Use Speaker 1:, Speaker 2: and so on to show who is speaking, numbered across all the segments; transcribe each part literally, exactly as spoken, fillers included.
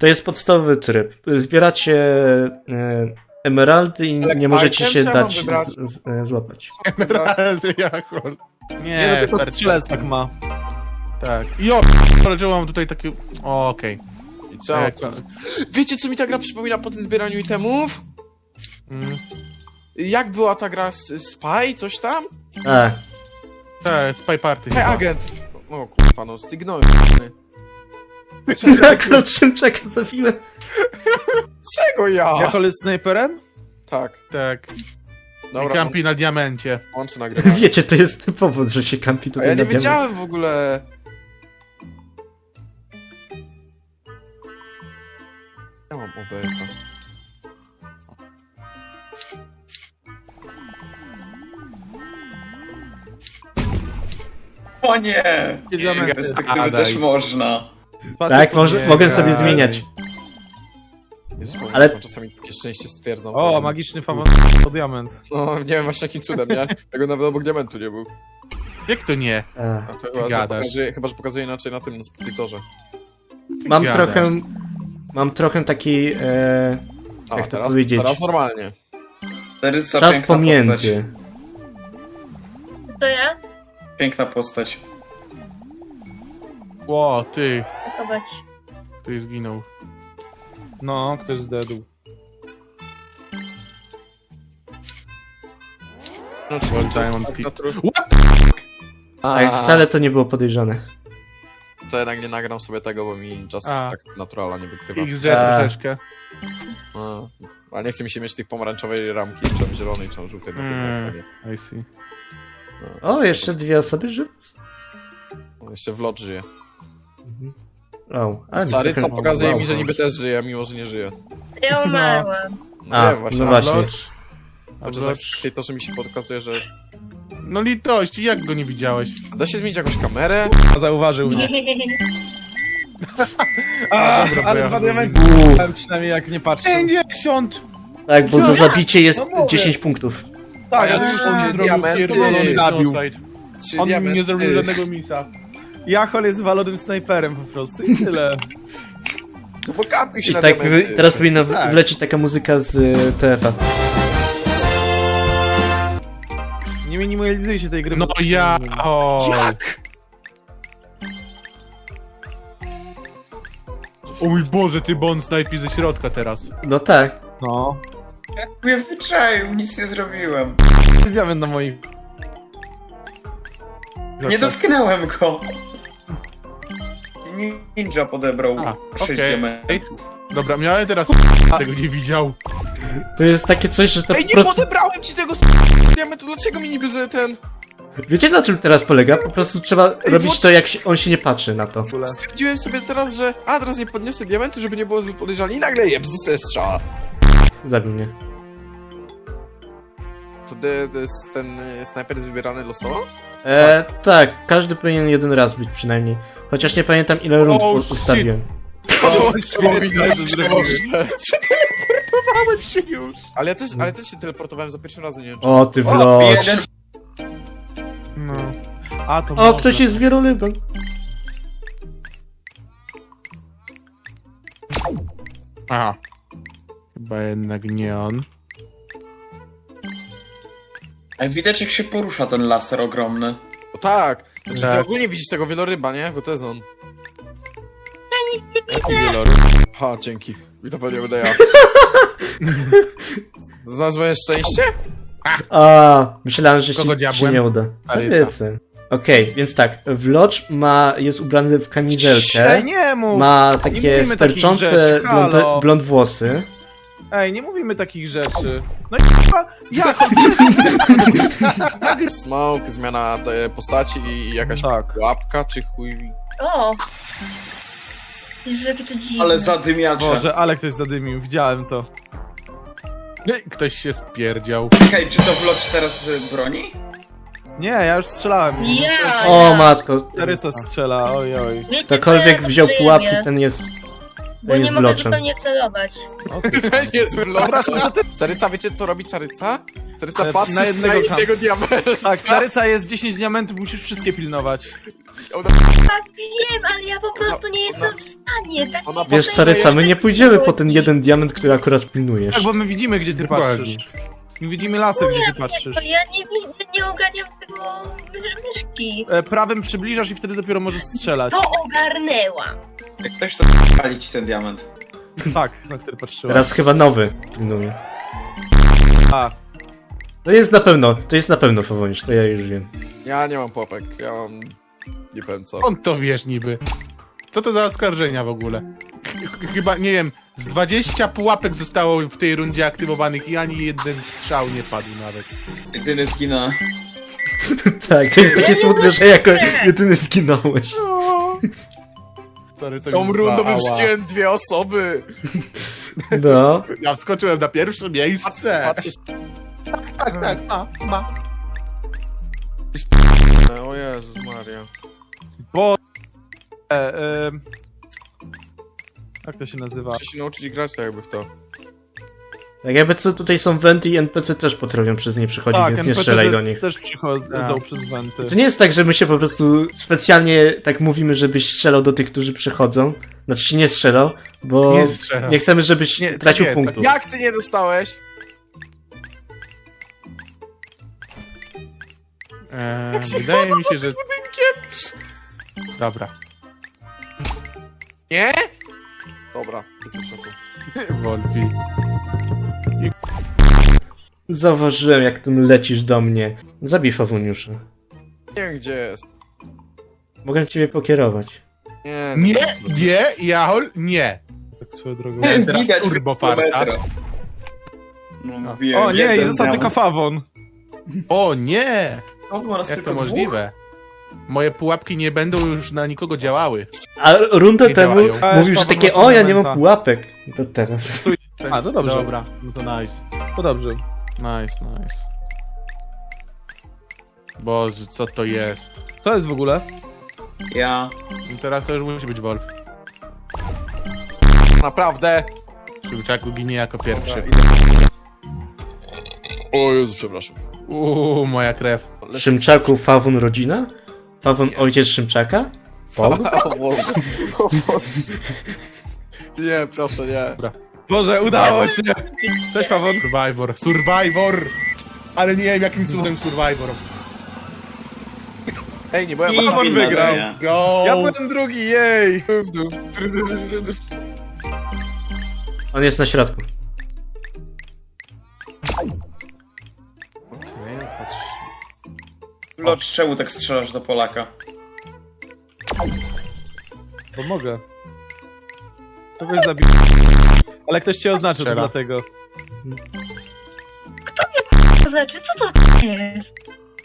Speaker 1: To jest podstawowy tryb. Zbieracie e, emeraldy i
Speaker 2: Select
Speaker 1: nie możecie
Speaker 2: item,
Speaker 1: się
Speaker 2: czy ja mam
Speaker 1: dać
Speaker 2: wybrać?
Speaker 1: z, z, e, złapać.
Speaker 3: Emeraldy, jachol.
Speaker 4: Nie,
Speaker 3: Nie,
Speaker 4: no tylko
Speaker 3: starczy.
Speaker 4: strzelec tak ma.
Speaker 3: Tak. I o, ale czemu mam tutaj takie... O, okej.
Speaker 2: I co?
Speaker 3: Tak,
Speaker 2: Co?
Speaker 3: tak.
Speaker 2: Wiecie, co mi ta gra przypomina po tym zbieraniu itemów?
Speaker 3: Mm.
Speaker 2: Jak była ta gra z Spy, coś tam?
Speaker 1: A,
Speaker 3: Tak, Spy Party
Speaker 2: Hej,
Speaker 3: chyba.
Speaker 2: agent! O kurwa, no stygnąłem.
Speaker 1: akurat Szymczaka zabiłem.
Speaker 2: Czego ja?
Speaker 4: Jachol jest snajperem?
Speaker 2: Tak.
Speaker 3: Tak. I
Speaker 2: Dobra,
Speaker 3: kampi na diamencie.
Speaker 2: łączę nagrywanie.
Speaker 1: Wiecie, to jest powód, że się kampi
Speaker 2: A
Speaker 1: tutaj
Speaker 2: ja nie
Speaker 1: na diament.
Speaker 2: wiedziałem w ogóle. Ja mam O B S-a.
Speaker 5: O nie! Z
Speaker 4: Diamenty.
Speaker 5: perspektywy
Speaker 3: A,
Speaker 5: też
Speaker 3: daj.
Speaker 5: można.
Speaker 4: Spację
Speaker 1: Tak, może,
Speaker 4: nie,
Speaker 1: mogę sobie
Speaker 4: nie.
Speaker 1: zmieniać.
Speaker 2: Jezus,
Speaker 1: Ale-
Speaker 2: Ale... czasami takie szczęście stwierdzam.
Speaker 4: O,
Speaker 2: Także-
Speaker 4: magiczny fawon o diament.
Speaker 2: No, nie wiem właśnie jakim cudem, nie? Tego nawet obok diamentu nie był.
Speaker 3: Jak to nie?
Speaker 1: A.
Speaker 2: A to chyba, że
Speaker 3: gadasz.
Speaker 2: pokazuje, chyba, że pokazuje inaczej na tym, na speditorze.
Speaker 1: Mam
Speaker 3: gadasz?
Speaker 1: trochę... Mam trochę taki... E,
Speaker 2: A,
Speaker 1: Jak to
Speaker 2: teraz,
Speaker 1: powiedzieć?
Speaker 2: teraz normalnie.
Speaker 5: Taryca,
Speaker 1: czas
Speaker 5: piękna
Speaker 1: pomiędzy.
Speaker 6: To ja?
Speaker 5: Postać. Piękna postać.
Speaker 3: Ło, ty.
Speaker 6: Pakować.
Speaker 3: Ty zginął.
Speaker 4: No, ktoś zdedł.
Speaker 2: No, czy
Speaker 3: Well,
Speaker 2: to jest
Speaker 3: Diamond
Speaker 2: tak
Speaker 3: Stick.
Speaker 2: naturu-
Speaker 3: What?
Speaker 2: A,
Speaker 1: Tak, wcale to nie było podejrzane.
Speaker 2: To jednak nie nagram sobie tego, bo mi czas
Speaker 3: A.
Speaker 2: tak naturala nie wykrywa.
Speaker 3: X D
Speaker 1: A.
Speaker 3: troszeczkę.
Speaker 2: A, ale nie chce mi się mieć tych pomarańczowej ramki, czy tam zielonej, czy tam żółtej. na tym
Speaker 3: Mm.
Speaker 2: ekranie.
Speaker 3: I see.
Speaker 2: No.
Speaker 1: O, jeszcze dwie osoby żyły?
Speaker 2: On jeszcze w lot żyje.
Speaker 1: O, ale
Speaker 2: Caryca
Speaker 1: trochę-
Speaker 2: pokazuje
Speaker 1: wow.
Speaker 2: mi, że niby też żyje, mimo że nie żyje.
Speaker 6: Ja umarłam.
Speaker 2: No
Speaker 1: A,
Speaker 2: wiem właśnie.
Speaker 1: no
Speaker 2: ale
Speaker 1: właśnie.
Speaker 3: A
Speaker 2: Cały czas
Speaker 3: wrocz-
Speaker 2: tak to, że mi się pokazuje, że...
Speaker 3: No litości, jak go nie widziałeś?
Speaker 2: Da się zmienić jakąś kamerę?
Speaker 4: A zauważył mnie. A,
Speaker 3: A, dobra, bo
Speaker 4: ale
Speaker 3: ja
Speaker 4: dwa
Speaker 3: chyba
Speaker 4: diamenty.
Speaker 1: Uuu.
Speaker 4: Ale przynajmniej jak nie patrzę.
Speaker 3: pięćdziesiąt!
Speaker 1: Tak, bo za zabicie jest
Speaker 4: No mówię.
Speaker 1: dziesięć punktów.
Speaker 4: Tak,
Speaker 2: ja
Speaker 4: ja
Speaker 2: też
Speaker 4: on
Speaker 2: nie
Speaker 4: nie
Speaker 2: zrobił diamenty.
Speaker 3: pierdolony
Speaker 4: zabił.
Speaker 3: genocide.
Speaker 2: Trzy
Speaker 3: On mi
Speaker 2: diamenty.
Speaker 3: nie zrobił żadnego misa.
Speaker 4: Jachol jest walonym snajperem po prostu i tyle.
Speaker 2: No bo kampił się
Speaker 1: I
Speaker 2: na
Speaker 1: tak
Speaker 2: diamenty.
Speaker 1: wy- teraz powinna w-
Speaker 3: Tak.
Speaker 1: wlecieć taka muzyka z y, T F a.
Speaker 4: Nie minimalizuj się tej gry.
Speaker 3: No
Speaker 4: bo to się
Speaker 3: ja...
Speaker 4: nie-
Speaker 3: O. O mój Boże, ty bon snajpi ze środka teraz.
Speaker 1: No tak.
Speaker 4: No.
Speaker 5: Jak mnie wyczaił, nic nie zrobiłem.
Speaker 4: Jest diament na moich...
Speaker 5: Nie dotknąłem go. Ninja podebrał
Speaker 3: A,
Speaker 5: sześć
Speaker 3: okej.
Speaker 5: diamentów.
Speaker 3: Dobra, miałem teraz tego nie widział.
Speaker 1: To jest takie coś, że to
Speaker 2: Ej,
Speaker 1: po
Speaker 2: nie
Speaker 1: prostu...
Speaker 2: podebrałem ci tego diamentu, dlaczego mi niby z ten...
Speaker 1: Wiecie na czym teraz polega? Po prostu trzeba robić
Speaker 2: włącz-
Speaker 1: to, jak się, on się nie patrzy na to.
Speaker 2: Stwierdziłem sobie teraz, że a teraz nie podniosę diamentu, żeby nie było zbyt podejrzane i nagle je bzdusę strzała.
Speaker 1: Zabił mnie.
Speaker 2: Co, de, de, ten y, snajper jest wybierany losowo?
Speaker 1: E, tak, każdy powinien jeden raz być przynajmniej. Chociaż nie pamiętam ile rund
Speaker 3: Oh,
Speaker 1: u-
Speaker 3: shit.
Speaker 1: ustawiłem.
Speaker 3: O,
Speaker 2: widać, że
Speaker 3: Teleportowałem się już.
Speaker 2: Ale ja też, ale też się teleportowałem za pierwszym razem, nie wiem czy...
Speaker 1: O, ty
Speaker 5: O,
Speaker 1: wlocz.
Speaker 5: jeden.
Speaker 3: No.
Speaker 4: A, to
Speaker 1: O,
Speaker 4: można.
Speaker 1: ktoś jest wielolybem.
Speaker 3: Aha. Chyba jednak nie on.
Speaker 5: A widać jak się porusza ten laser ogromny.
Speaker 2: O, tak! Znaczy ty
Speaker 3: Tak.
Speaker 2: ogólnie widzisz tego wieloryba, nie? Bo to jest on. Ha, dzięki. I to pewnie będę ja. Znalazłem szczęście?
Speaker 1: A, myślałem, że
Speaker 3: Kogo
Speaker 1: ci, się
Speaker 3: diabłem?
Speaker 1: nie uda.
Speaker 3: Caryca.
Speaker 1: Carycy. Okej, więc tak, Wlocz ma, jest ubrany w kamizelkę,
Speaker 4: Ej, nie mów!
Speaker 1: ma
Speaker 4: nie
Speaker 1: takie
Speaker 4: mówimy
Speaker 1: sterczące
Speaker 4: takich rzeczy,
Speaker 1: blond,
Speaker 4: halo.
Speaker 1: blond włosy.
Speaker 4: Ej, nie mówimy takich rzeczy. No i chyba... Jachol,
Speaker 2: Smoke, zmiana tej postaci i jakaś
Speaker 4: Tak.
Speaker 2: łapka czy chuj.
Speaker 6: O! Jezu, jakie to dziwne.
Speaker 5: Ale zadymiacze.
Speaker 4: Boże, ale ktoś zadymił, widziałem to.
Speaker 3: Ej, Ktoś się spierdział.
Speaker 5: Czekaj, czy to vlog teraz y, broni?
Speaker 4: Nie, ja już strzelałem.
Speaker 6: Ja,
Speaker 1: O
Speaker 6: ja.
Speaker 1: matko,
Speaker 4: Caryca strzela, oj oj.
Speaker 6: Wiecie co,
Speaker 1: ktokolwiek
Speaker 6: ja
Speaker 1: wziął
Speaker 6: to
Speaker 1: pułapki,
Speaker 6: przyjemnie,
Speaker 1: ten jest,
Speaker 6: Bo
Speaker 1: ten
Speaker 6: nie
Speaker 1: jest
Speaker 6: mogę
Speaker 1: Wloczem.
Speaker 6: zupełnie wcelować.
Speaker 4: O, ty-
Speaker 2: To nie jest vlog.
Speaker 4: Przepraszam, to ty...
Speaker 2: Caryca, wiecie co robi Caryca? Taryca
Speaker 4: E,
Speaker 2: patrzy
Speaker 4: na jednego
Speaker 2: na
Speaker 4: tam.
Speaker 2: jednego diamenta.
Speaker 4: Tak, Taryca jest dziesięć diamentów, musisz wszystkie pilnować.
Speaker 2: Ona,
Speaker 6: Tak, wiem, ale ja po prostu nie jestem w stanie. Tak
Speaker 2: ona
Speaker 1: Wiesz,
Speaker 2: patrzy
Speaker 1: Saryca,
Speaker 2: na
Speaker 1: my nie pójdziemy po ten jeden diament, który akurat pilnujesz.
Speaker 4: Tak, bo my widzimy, gdzie ty
Speaker 3: Dokładnie.
Speaker 4: patrzysz. My widzimy lasek, gdzie ty patrzysz.
Speaker 6: To ja nie, wi- nie ogarniam tego my- myszki.
Speaker 4: E, prawym przybliżasz i wtedy dopiero możesz strzelać.
Speaker 6: To ogarnęłam.
Speaker 5: Jak ktoś to pali ci ten diament.
Speaker 4: Tak, na który patrzyłem.
Speaker 1: Teraz chyba nowy pilnuje.
Speaker 4: A,
Speaker 1: To jest na pewno, to jest na pewno Fawonisz, to ja już wiem.
Speaker 2: Ja nie mam popek, ja mam... Nie wiem co.
Speaker 3: On to wiesz niby. Co to za oskarżenia w ogóle? Ch- Chyba, nie wiem, z dwudziestu pułapek zostało w tej rundzie aktywowanych i ani jeden strzał nie padł nawet.
Speaker 5: Jedyny zginął.
Speaker 1: Tak, to jest takie smutne, że jako jedyny zginąłeś.
Speaker 3: Sorry, co
Speaker 2: Tą
Speaker 3: mi
Speaker 2: rundą
Speaker 3: ała.
Speaker 2: wyrzuciłem dwie osoby.
Speaker 1: No.
Speaker 3: Ja wskoczyłem na pierwsze miejsce.
Speaker 2: Patrzeć...
Speaker 3: Tak, tak, ma, ma.
Speaker 2: O Jezus Maria.
Speaker 4: bo... E, e, jak to się nazywa?
Speaker 2: Muszę się nauczyć grać tak jakby w to.
Speaker 1: Tak jakby co tutaj są wenty i N P C też potrafią przez nie przychodzić,
Speaker 4: Tak,
Speaker 1: więc nie
Speaker 4: N P C
Speaker 1: strzelaj
Speaker 4: te-
Speaker 1: do nich.
Speaker 4: też przychodzą
Speaker 3: Tak.
Speaker 4: przez wenty.
Speaker 1: To nie jest tak, że my się po prostu specjalnie tak mówimy, żebyś strzelał do tych, którzy przychodzą. Znaczy się nie strzelał, bo
Speaker 3: Nie strzelał.
Speaker 1: nie chcemy, żebyś
Speaker 3: Nie, tak
Speaker 1: tracił
Speaker 3: jest,
Speaker 1: punktów.
Speaker 2: Jak ty nie dostałeś?
Speaker 3: Eee,
Speaker 2: Jak się
Speaker 3: wydaje
Speaker 2: chowa
Speaker 3: mi się,
Speaker 2: za
Speaker 3: że...
Speaker 2: tym budynkiem?
Speaker 3: Dobra.
Speaker 2: Nie? Dobra, jestem w szoku.
Speaker 3: Wolfi.
Speaker 1: Zauważyłem, jak tym lecisz do mnie. Zabij Fawoniusza.
Speaker 2: Nie wiem gdzie jest.
Speaker 1: Mogę ciebie pokierować.
Speaker 2: Nie, no,
Speaker 3: Nie, nie, Jahol, nie.
Speaker 4: Tak swoją drogą.
Speaker 3: Teraz
Speaker 5: Widać
Speaker 3: turbo farta.
Speaker 5: kilometra. No, mówiłem,
Speaker 4: O nie,
Speaker 5: jeden
Speaker 4: i został tylko
Speaker 5: diament.
Speaker 4: Fawon.
Speaker 3: O nie!
Speaker 5: O, po raz
Speaker 3: Jak
Speaker 5: tylko
Speaker 3: to
Speaker 5: dwóch?
Speaker 3: możliwe? Moje pułapki nie będą już na nikogo działały.
Speaker 1: A rundę
Speaker 3: Nie
Speaker 1: temu
Speaker 3: działają.
Speaker 4: A,
Speaker 1: mówił,
Speaker 4: już
Speaker 1: że
Speaker 4: Fawon
Speaker 1: takie,
Speaker 4: masz
Speaker 1: o ja nie mam
Speaker 4: diamenta.
Speaker 1: pułapek. To teraz.
Speaker 4: A, to dobrze.
Speaker 3: Dobra, no to nice.
Speaker 4: To dobrze.
Speaker 3: Nice, nice. Boże, co to jest?
Speaker 4: To jest w ogóle?
Speaker 5: Ja.
Speaker 3: No teraz to już musi być Wolf.
Speaker 2: naprawdę.
Speaker 3: Szybczaku ginie jako pierwszy.
Speaker 2: Dobra, idę. O Jezu, przepraszam.
Speaker 3: Uuu, moja krew.
Speaker 1: Szymczaku Fawon rodzina? Fawon ojciec Szymczaka? Bob?
Speaker 2: O Boże. O Boże. Nie, proszę, nie.
Speaker 4: Boże, udało się! Cześć Fawon.
Speaker 3: Survivor, Survivor! Ale nie wiem jakim cudem Survivor.
Speaker 2: Ej, nie byłem
Speaker 5: I
Speaker 2: was
Speaker 4: Fawon
Speaker 5: win
Speaker 4: wygrał.
Speaker 5: nadaje.
Speaker 3: Let's go!
Speaker 4: Ja byłem drugi, jej!
Speaker 1: On jest na środku.
Speaker 2: Okej, patrz.
Speaker 5: Locz, czemu tak strzelasz do Polaka?
Speaker 4: Bo mogę. Kogoś zabić. Ale ktoś cię oznaczył, to
Speaker 3: Strzela.
Speaker 4: dlatego.
Speaker 6: To znaczy, co to jest?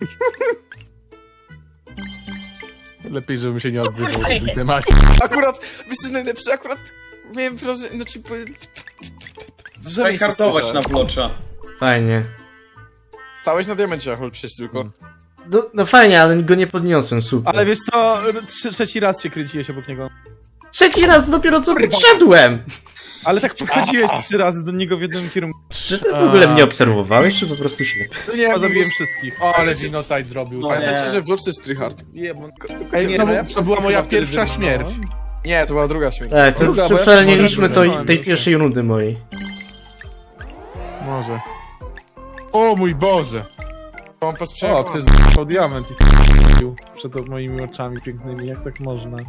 Speaker 3: Lepiej, żebym się nie odzywał w tym temacie.
Speaker 2: Akurat, wiesz co najlepsze, akurat miałem wrażenie, znaczy... po- W
Speaker 5: Trzeba
Speaker 2: miejsce
Speaker 5: kartować na
Speaker 2: spojrzałem.
Speaker 5: blocza.
Speaker 1: Fajnie.
Speaker 2: Stałeś na diamencie, Achol, przecież tylko.
Speaker 1: No, no fajnie, ale go nie podniosłem, super.
Speaker 4: Ale wiesz co, trze- trzeci raz się kręciłeś obok niego.
Speaker 1: Trzeci raz dopiero co wszedłem!
Speaker 4: Ale tak podchodziłeś trzy razy do niego w jednym kierunku.
Speaker 1: Czy ty w ogóle mnie obserwowałeś, czy po prostu ślepy?
Speaker 2: No nie,
Speaker 4: Ja
Speaker 2: bo
Speaker 4: zabiłem
Speaker 2: zabiłem
Speaker 4: wszystkich.
Speaker 3: O, ale genocide zrobił.
Speaker 5: No.
Speaker 2: Pamiętajcie,
Speaker 5: Nie.
Speaker 2: że w Lodge jest tryhard.
Speaker 4: Jebon.
Speaker 3: Ej, nie,
Speaker 4: no
Speaker 3: to,
Speaker 4: ja
Speaker 3: to była moja
Speaker 4: chyba wtedy
Speaker 3: pierwsza
Speaker 4: wybrnąłem.
Speaker 3: śmierć.
Speaker 2: Nie, to była druga śmierć.
Speaker 1: Tak, to,
Speaker 4: Druga,
Speaker 1: to
Speaker 4: bo ja
Speaker 1: wcale nie
Speaker 4: się
Speaker 1: liczmy to,
Speaker 4: zorientowałem,
Speaker 1: tej
Speaker 4: że-
Speaker 1: pierwszej rundy mojej.
Speaker 3: Może. O mój Boże!
Speaker 2: Mam
Speaker 4: O,
Speaker 2: posprzątał.
Speaker 4: ktoś złapał diament i s***ił przed moimi oczami pięknymi, jak tak można?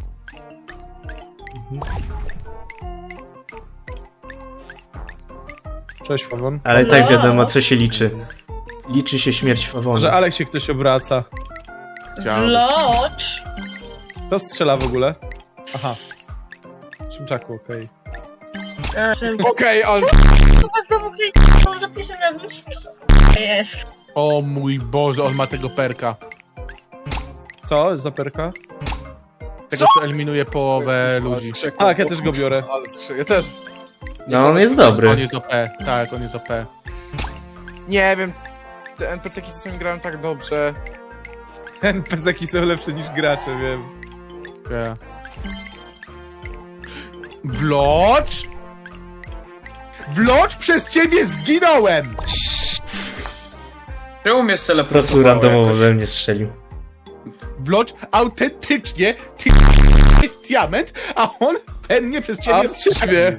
Speaker 4: Cześć Fawon.
Speaker 1: Ale tak wiadomo, co się liczy. Liczy się śmierć
Speaker 4: Może
Speaker 1: Fawona.
Speaker 4: Alek się ktoś obraca.
Speaker 3: Chciałem.
Speaker 6: Locz!
Speaker 4: Kto strzela w ogóle? Aha. Szymczaku, okej.
Speaker 6: A, że...
Speaker 2: Okej, ale...
Speaker 6: Chyba znowu ktoś za pierwszym razem, co to jest?
Speaker 3: O mój Boże, on ma tego perka.
Speaker 4: Co? Za perka?
Speaker 3: Tego, co eliminuje połowę
Speaker 2: Ale
Speaker 3: ludzi.
Speaker 2: skrzekłem.
Speaker 4: Tak, ja też go biorę.
Speaker 2: Ale skrzek... Ja też. Nie
Speaker 1: No on
Speaker 2: powiem,
Speaker 1: jest
Speaker 2: co-
Speaker 3: On
Speaker 1: dobry.
Speaker 3: jest O P, tak, on jest O P.
Speaker 2: Nie wiem. Te N P C-ki czasami grają tak dobrze.
Speaker 4: N P C-ki są lepsze niż gracze, wiem.
Speaker 3: Yeah. Wlocz? Wlocz, przez ciebie zginąłem!
Speaker 5: Czemu mnie
Speaker 1: Po prostu
Speaker 5: steleportowało
Speaker 1: randomowo
Speaker 5: jakoś?
Speaker 1: we mnie strzelił.
Speaker 3: Vlog autentycznie ty jest diament, a on pewnie przez ciebie
Speaker 4: A,
Speaker 3: strzelił.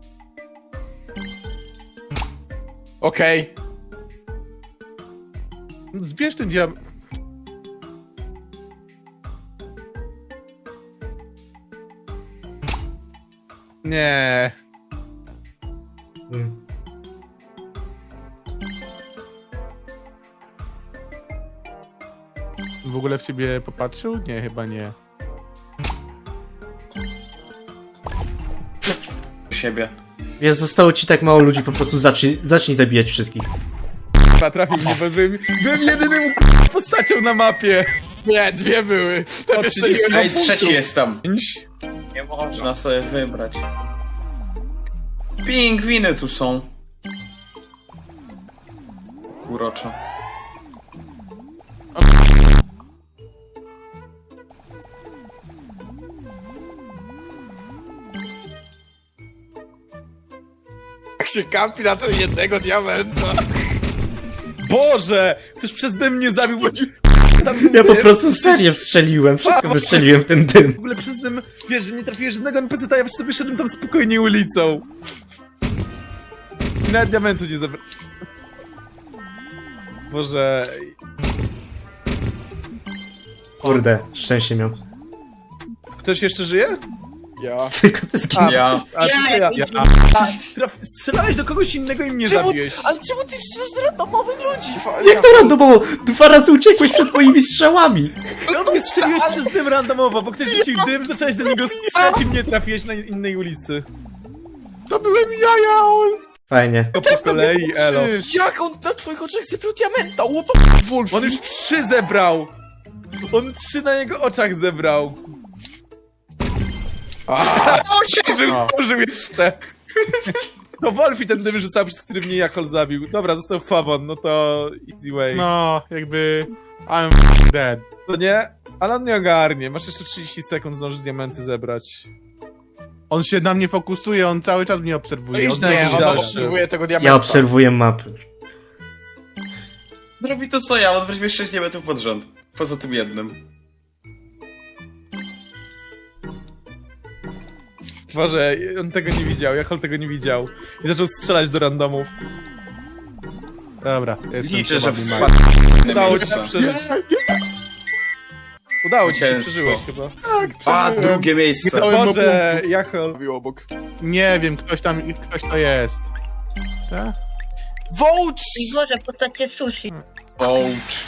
Speaker 2: Okej.
Speaker 3: Zbierz ten diament. Nie.
Speaker 1: Mm.
Speaker 3: W ogóle w ciebie popatrzył? Nie, chyba nie.
Speaker 5: siebie.
Speaker 1: Wiesz, zostało ci tak mało ludzi, po prostu zacznij, zacznij zabijać wszystkich.
Speaker 4: Chyba trafił mnie, bo byłem, byłem jedynym k***a postacią na mapie.
Speaker 2: Nie, dwie były. Tam jeszcze nie
Speaker 5: Ej, trzeci jest tam.
Speaker 4: Pięć.
Speaker 5: Nie można sobie wybrać. Pingwiny tu są. Kuroczo.
Speaker 2: Jak się kampi na ten jednego diamenta.
Speaker 4: Boże! Ktoś przeze mnie zabił, bo tam był
Speaker 1: Ja po
Speaker 4: dym.
Speaker 1: prostu serię wstrzeliłem, wszystko wystrzeliłem w ten dym.
Speaker 4: W ogóle przez tym, wiesz, że nie trafiłeś żadnego en pe ce, a ja sobie szedłem tam spokojnie ulicą. I nawet diamentu nie zabrałem. Boże...
Speaker 1: Kurde, szczęście miał.
Speaker 4: Ktoś jeszcze żyje?
Speaker 2: Ja.
Speaker 1: Tylko ty zginął.
Speaker 4: A,
Speaker 5: Ja.
Speaker 4: a,
Speaker 6: Ja,
Speaker 4: ja,
Speaker 6: ja,
Speaker 4: ja. Traf, strzelałeś do kogoś innego i mnie
Speaker 2: Czemu,
Speaker 4: zabiłeś.
Speaker 2: ale czemu ty strzelasz do randomowych ludzi? Fa-
Speaker 1: Jak to randomowo? Dwa razy uciekłeś przed moimi strzałami.
Speaker 4: No mnie strzeliłeś przez dym randomowo, bo ktoś rzucił dym, zacząłeś do niego strzelać i mnie trafiłeś na innej ulicy.
Speaker 3: To byłem ja, ja, on.
Speaker 1: Fajnie.
Speaker 4: To po kolei, elo.
Speaker 2: Jak on na twoich oczach zebrał diamenta? What the Wolf?
Speaker 4: On już trzy zebrał! On trzy na jego oczach zebrał. Że już
Speaker 3: O.
Speaker 4: zdążył jeszcze. To Wolfi ten dym rzucał, przez który mnie Jakol zabił. Dobra, został Fawon, no to easy way.
Speaker 3: No, jakby... I'm dead.
Speaker 4: To nie? Ale on nie ogarnie. Masz jeszcze trzydzieści sekund, zdążysz diamenty zebrać.
Speaker 3: On się na mnie fokusuje, on cały czas mnie
Speaker 4: No
Speaker 3: obserwuje.
Speaker 4: idź
Speaker 3: On
Speaker 4: na
Speaker 2: Nie,
Speaker 4: jakiś
Speaker 2: on
Speaker 4: dalszy.
Speaker 2: obserwuje tego diamenta.
Speaker 1: Ja obserwuję mapy.
Speaker 5: Robi to co ja, on weźmie sześć diamentów pod rząd. Poza tym jednym.
Speaker 4: Boże, on tego nie widział, Jakol tego nie widział. I zaczął strzelać do randomów.
Speaker 3: Dobra, jestem
Speaker 5: Liczę, że
Speaker 3: chyba
Speaker 5: wspadł.
Speaker 4: Udało ci się przeżyć. Udało ci się,
Speaker 5: Zwycięstwo.
Speaker 4: przeżyłeś chyba.
Speaker 5: A, drugie miejsce.
Speaker 3: Dałem mu
Speaker 4: Boże,
Speaker 3: punktów.
Speaker 4: Jakol.
Speaker 2: Robił obok.
Speaker 3: Nie wiem, ktoś tam, ktoś to jest. Tak?
Speaker 2: Wołcz!
Speaker 6: I Boże, postacie sushi.
Speaker 5: Ouch.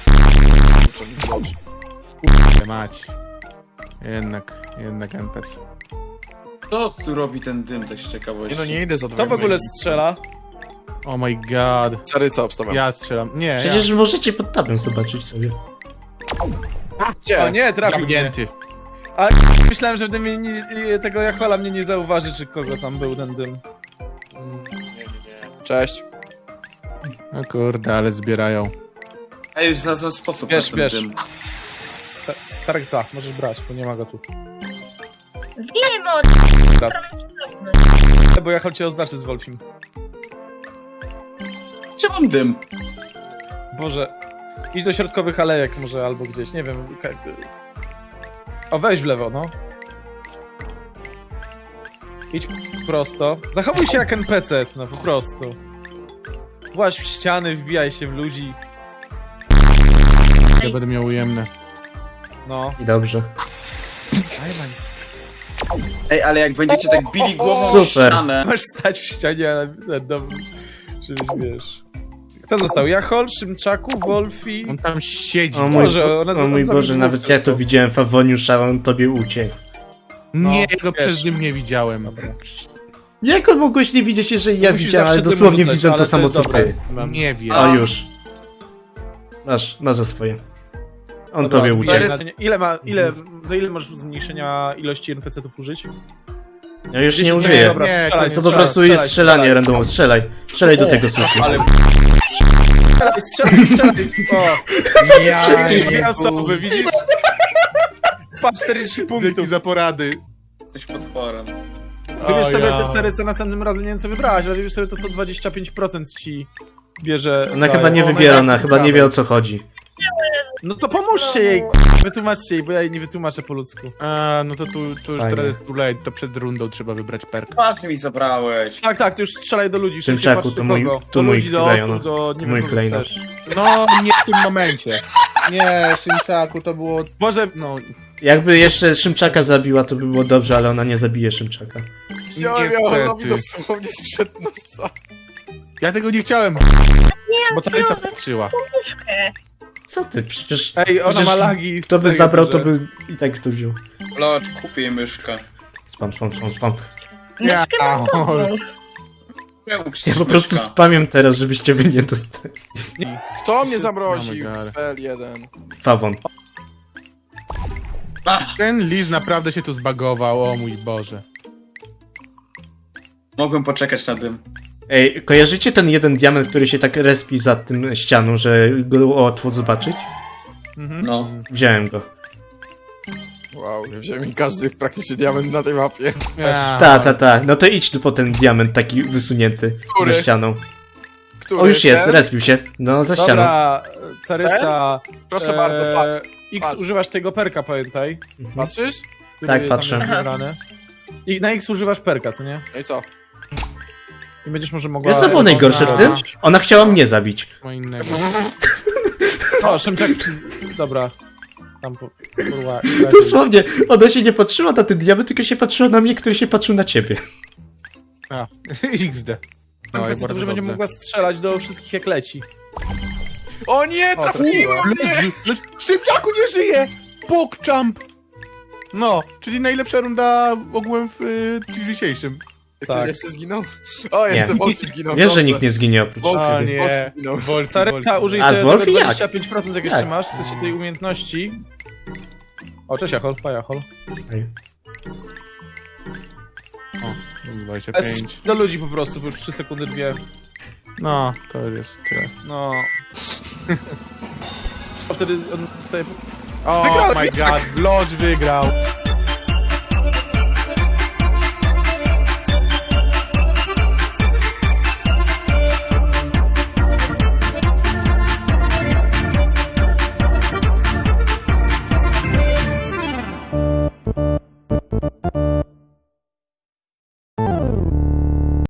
Speaker 3: Mać. Jednak, jednak en pe ce.
Speaker 5: Co tu robi ten dym, tak z ciekawości?
Speaker 2: Nie no, nie idę za dwa.
Speaker 4: Kto w ogóle strzela?
Speaker 3: Oh my god.
Speaker 2: Caryca obstawiam.
Speaker 3: Ja strzelam. Nie,
Speaker 1: Przecież możecie pod tabem zobaczyć sobie.
Speaker 2: Gdzie?
Speaker 4: O nie, trafił mnie.
Speaker 3: Zamknięty.
Speaker 4: A myślałem, że w dymie nie, nie, tego Jachola mnie nie zauważy, czy kogo tam był ten dym. Mm.
Speaker 2: Cześć.
Speaker 3: O kurde, ale zbierają.
Speaker 5: A już znalazłem sposób
Speaker 4: Bierz,
Speaker 5: na
Speaker 4: bierz.
Speaker 5: ten dym.
Speaker 4: Tarek, tak, możesz brać, bo nie ma go tu.
Speaker 6: Wiem o
Speaker 4: Raz. Bo Jachol cię oznaczy z Wolfim.
Speaker 5: Gdzie mam dym?
Speaker 4: Boże. Idź do środkowych alejek może, albo gdzieś, nie wiem. ka- O, weź w lewo, no. Idź prosto. Zachowuj się jak en pe ce, no po prostu. Właź w ściany, wbijaj się w ludzi.
Speaker 3: Ja będę miał ujemne.
Speaker 4: No.
Speaker 1: I dobrze.
Speaker 5: Ej, ale jak będziecie tak bili głową w
Speaker 1: Super.
Speaker 5: ścianę...
Speaker 4: Masz stać w ścianie, ale no, żebyś wiesz. Kto został? Jachol, Szymczaku, Wolfi.
Speaker 3: On tam siedzi.
Speaker 1: O mój,
Speaker 4: Boże, ona-
Speaker 1: o mój
Speaker 4: on
Speaker 1: Boże,
Speaker 4: zabił
Speaker 1: nawet
Speaker 4: dwóch
Speaker 1: ja to
Speaker 4: tylko.
Speaker 1: widziałem, Fawoniusz, a on tobie uciekł.
Speaker 3: Nie,
Speaker 4: No,
Speaker 3: go
Speaker 4: wiesz.
Speaker 3: przez nim nie widziałem.
Speaker 4: Dobra.
Speaker 1: Jak on mogłeś nie widzieć, jeżeli ja
Speaker 4: Musisz
Speaker 1: widziałem, ale
Speaker 4: zawsze dym
Speaker 1: dosłownie
Speaker 4: rzucać,
Speaker 1: widzę
Speaker 4: ale
Speaker 1: to samo
Speaker 4: jest
Speaker 1: co
Speaker 4: dobre,
Speaker 1: ty.
Speaker 4: jest, mam.
Speaker 3: Nie wiem.
Speaker 1: O już. Masz, masz za swoje. On
Speaker 4: Dobra,
Speaker 1: tobie
Speaker 4: wbijaj
Speaker 1: uciekł.
Speaker 4: na- Ile ma, ile, za ile masz zmniejszenia ilości en pe ce ów użyć?
Speaker 1: Ja już nie
Speaker 3: Nie,
Speaker 1: użyję.
Speaker 3: dobra,
Speaker 4: strzelaj,
Speaker 3: nie,
Speaker 1: To po
Speaker 4: strzelaj,
Speaker 1: prostu jest
Speaker 4: strzelaj,
Speaker 1: strzelanie
Speaker 4: strzelaj.
Speaker 1: randomowo. Strzelaj. Strzelaj do tego sushi.
Speaker 4: Ale... Strzelaj, strzelaj, strzelaj! O!
Speaker 2: Ja
Speaker 4: Wszystkie
Speaker 2: nie
Speaker 4: dwie osoby, widzisz? Patrz, czterdzieści
Speaker 3: Dzięki
Speaker 4: punktów.
Speaker 3: za porady.
Speaker 5: Jesteś potworem.
Speaker 4: Wybierz
Speaker 3: O
Speaker 4: sobie
Speaker 3: ja.
Speaker 4: te cery, co następnym razem nie wiem co wybrałaś, ale wybierz sobie to co dwadzieścia pięć procent ci bierze...
Speaker 1: Ona
Speaker 4: daje.
Speaker 1: chyba nie
Speaker 3: ona
Speaker 1: wybiera,
Speaker 3: jak
Speaker 1: ona chyba nie wie o co chodzi.
Speaker 4: No to pomóżcie jej, k***, wytłumaczcie jej, bo ja jej nie wytłumaczę po ludzku.
Speaker 3: A, no to tu, tu już
Speaker 1: Fajnie.
Speaker 3: teraz jest too late, to przed rundą trzeba wybrać perk.
Speaker 5: Patrz mi zabrałeś.
Speaker 4: Tak, tak, ty już strzelaj do ludzi, szybciej
Speaker 1: Szymczaku,
Speaker 4: patrz do
Speaker 1: to mój-
Speaker 4: kogo.
Speaker 1: to
Speaker 4: Do
Speaker 1: mój
Speaker 4: ludzi, do
Speaker 1: klejnot.
Speaker 4: osób, do... nie
Speaker 1: Mój
Speaker 4: wiem, kogo
Speaker 1: klejnot.
Speaker 4: chcesz.
Speaker 3: No, nie w tym momencie. Nie, Szymczaku, to było...
Speaker 4: Może...
Speaker 3: No,
Speaker 1: Jakby jeszcze Szymczaka zabiła, to by było dobrze, ale ona nie zabije Szymczaka.
Speaker 2: Wziąłem ją,
Speaker 3: Niestety.
Speaker 2: robi dosłownie sprzed nosa.
Speaker 3: ja tego nie chciałem,
Speaker 6: Nie,
Speaker 3: bo ta Taryca
Speaker 6: wziąłem
Speaker 3: patrzyła.
Speaker 6: puszkę.
Speaker 1: Co ty? Przecież
Speaker 4: Ej, ona
Speaker 1: Przecież
Speaker 4: ma lagi.
Speaker 1: kto by
Speaker 4: serio,
Speaker 1: zabrał, to
Speaker 4: że-
Speaker 1: by i tak tu wziął.
Speaker 5: Locz, kupię jej myszkę.
Speaker 1: Spam, spam, spam, spam.
Speaker 6: Myszkę
Speaker 3: Ja,
Speaker 6: mam dobrą.
Speaker 5: Czemu
Speaker 1: Ja
Speaker 5: krzyczysz
Speaker 1: po prostu
Speaker 5: myszka?
Speaker 1: spamiam teraz, żebyście wy nie dostali.
Speaker 2: Kto mnie
Speaker 3: Oh
Speaker 2: zamroził?
Speaker 3: my God.
Speaker 2: Fel jeden.
Speaker 1: Fawon.
Speaker 5: Ach,
Speaker 3: Ten Liz naprawdę się tu zbagował, o mój Boże.
Speaker 5: mogłem poczekać na dym.
Speaker 1: Ej, kojarzycie ten jeden diament, który się tak respi za tym ścianą, że go łatwo zobaczyć?
Speaker 4: Mhm.
Speaker 5: No.
Speaker 1: Wziąłem go.
Speaker 2: Wow, wziąłem mi każdy praktycznie diament na tej mapie.
Speaker 3: Ja.
Speaker 1: Ta, ta, ta. No to idź tu po ten diament taki wysunięty
Speaker 2: Który?
Speaker 1: ze ścianą.
Speaker 2: Który?
Speaker 1: O, już jest,
Speaker 2: Ten?
Speaker 1: respił się. No, za ścianą.
Speaker 4: Dobra, Caryca...
Speaker 2: Proszę bardzo, patrz.
Speaker 4: X
Speaker 2: patrz.
Speaker 4: używasz tego perka, pamiętaj.
Speaker 2: Patrzysz?
Speaker 4: Który
Speaker 1: Tak,
Speaker 4: tam
Speaker 1: patrzę.
Speaker 4: jest wybrany. I na X używasz perka, co nie?
Speaker 2: No i co?
Speaker 4: I będziesz może mogła...
Speaker 1: Wiesz co było najgorsze w tym? Ona chciała mnie zabić.
Speaker 3: Co innego.
Speaker 4: O, Szymczak... Dobra. Tam po... Kurwa,
Speaker 1: Dosłownie, ona się nie patrzyła na ten diament, tylko się patrzyła na mnie, który się patrzył na ciebie.
Speaker 3: A, iks de. No i
Speaker 4: N P C
Speaker 3: bardzo
Speaker 4: dobrze będzie
Speaker 3: dobrze.
Speaker 4: mogła strzelać do wszystkich jak leci.
Speaker 2: O nie,
Speaker 4: O,
Speaker 2: trafiłem mnie!
Speaker 3: Szybciaku nie żyje! Pokczamp! No, czyli najlepsza runda ogółem w y, dzisiejszym.
Speaker 2: Ktoś
Speaker 4: Tak.
Speaker 2: jeszcze zginął? O, jeszcze
Speaker 1: Nie.
Speaker 2: Wolfie zginął.
Speaker 1: Wiesz, że
Speaker 2: dobrze.
Speaker 1: nikt nie zginie oprócz
Speaker 2: Wolfie,
Speaker 3: A,
Speaker 1: ciebie.
Speaker 3: nie.
Speaker 2: Wolfie zginął.
Speaker 3: Wolf,
Speaker 4: Caryca, użyj
Speaker 1: A,
Speaker 4: sobie
Speaker 1: Wolfie
Speaker 4: tego
Speaker 1: jak?
Speaker 4: dwadzieścia pięć procent jak jeszcze
Speaker 1: Jak?
Speaker 4: masz, w sensie tej umiejętności. O, cześć Jachol, pa Jachol.
Speaker 3: dwadzieścia
Speaker 4: S
Speaker 3: pięć.
Speaker 4: do ludzi po prostu, bo już trzy sekundy, dwie.
Speaker 3: No, to już jest tyle.
Speaker 4: No. A wtedy on dostaje...
Speaker 3: Oh my god, Lodge wygrał.